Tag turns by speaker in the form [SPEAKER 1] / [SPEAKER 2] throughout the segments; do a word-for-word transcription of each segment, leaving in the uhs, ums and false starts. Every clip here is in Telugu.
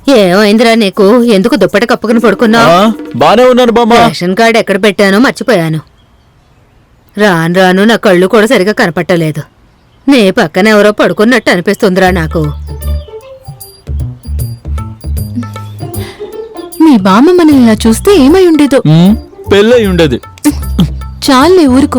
[SPEAKER 1] ఏమైందిరా నీకు? ఎందుకు దుప్పటి కప్పుకుని పడుకున్నావు?
[SPEAKER 2] బానే ఉన్నాను బామ్మ.
[SPEAKER 1] రేషన్ కార్డు ఎక్కడ పెట్టానో మర్చిపోయాను. రాను రాను నా కళ్ళు కూడా సరిగా కనపట్టలేదు. నీ పక్కన ఎవరో పడుకున్నట్టు అనిపిస్తుందిరా నాకు.
[SPEAKER 3] మీ బామ్మ మనల్ని ఇలా చూస్తే ఏమై ఉండేదో.
[SPEAKER 2] పెళ్ళై ఉండేది.
[SPEAKER 3] చాలే ఊరుకో.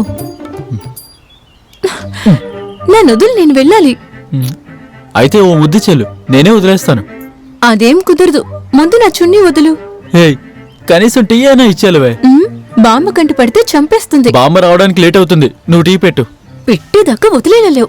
[SPEAKER 3] నా నదులు నేను వెళ్ళాలి.
[SPEAKER 2] అయితే ఓ ముద్దు చెల్లు, నేనే వదిలేస్తాను.
[SPEAKER 3] అదేం కుదరదు. ముందు నా చున్నీ వదులు.
[SPEAKER 2] కనీసం టీ అయినా ఇచ్చేలువే.
[SPEAKER 3] బామ్మ కంటి పడితే చంపేస్తుంది.
[SPEAKER 2] బామ్మ రావడానికి లేట్ అవుతుంది, నువ్వు టీ పెట్టు.
[SPEAKER 3] పెట్టేదాకా వదిలేనలేవు.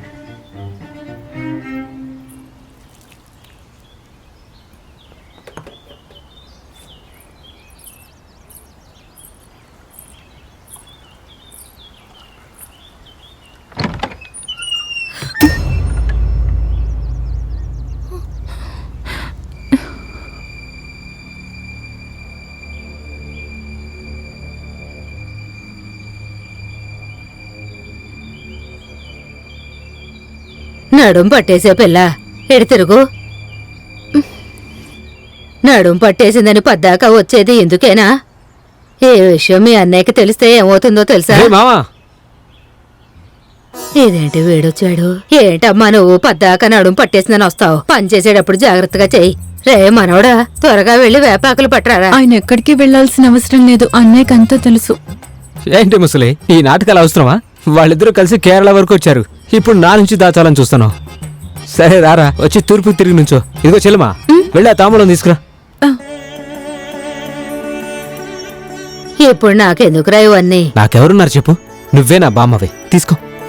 [SPEAKER 1] నడుం పట్టేసే పిల్ల, ఎడి తిరుగు. నడుం పట్టేసిందని పద్దాక వచ్చేది ఎందుకేనా? ఏ విషయం మీ అన్నయ్యకి తెలిస్తే ఏమవుతుందో తెలుసా? ఇదేంటి వేడొచ్చాడు? ఏంటమ్మా నువ్వు పద్దాక నడుం పట్టేసిందని వస్తావు? పని చేసేటప్పుడు జాగ్రత్తగా చెయ్యి. రే మనవడా, త్వరగా వెళ్లి వేపాకులు పట్టరారా.
[SPEAKER 3] ఆయన ఎక్కడికి వెళ్లాల్సిన అవసరం లేదు, అన్నయ్యకి అంతా తెలుసు.
[SPEAKER 4] ఏంటి ముసలి, ఈ నాటకాలు అవసరమా? వాళ్ళిద్దరూ కలిసి కేరళ వరకు వచ్చారు, ఇప్పుడు నా నుంచి దాచాలని చూస్తున్నావు. సరే రారా, వచ్చి తూర్పు తిరిగి నుంచో. ఇదిగో చెల్లమా, వెళ్ళి ఆ తాంబూలం తీసుకురా.
[SPEAKER 1] ఇప్పుడు నాకెందుకురా ఇవన్నీ?
[SPEAKER 4] నాకెవరున్నారు చెప్పు? నువ్వే నా బామ్మవి, తీసుకో.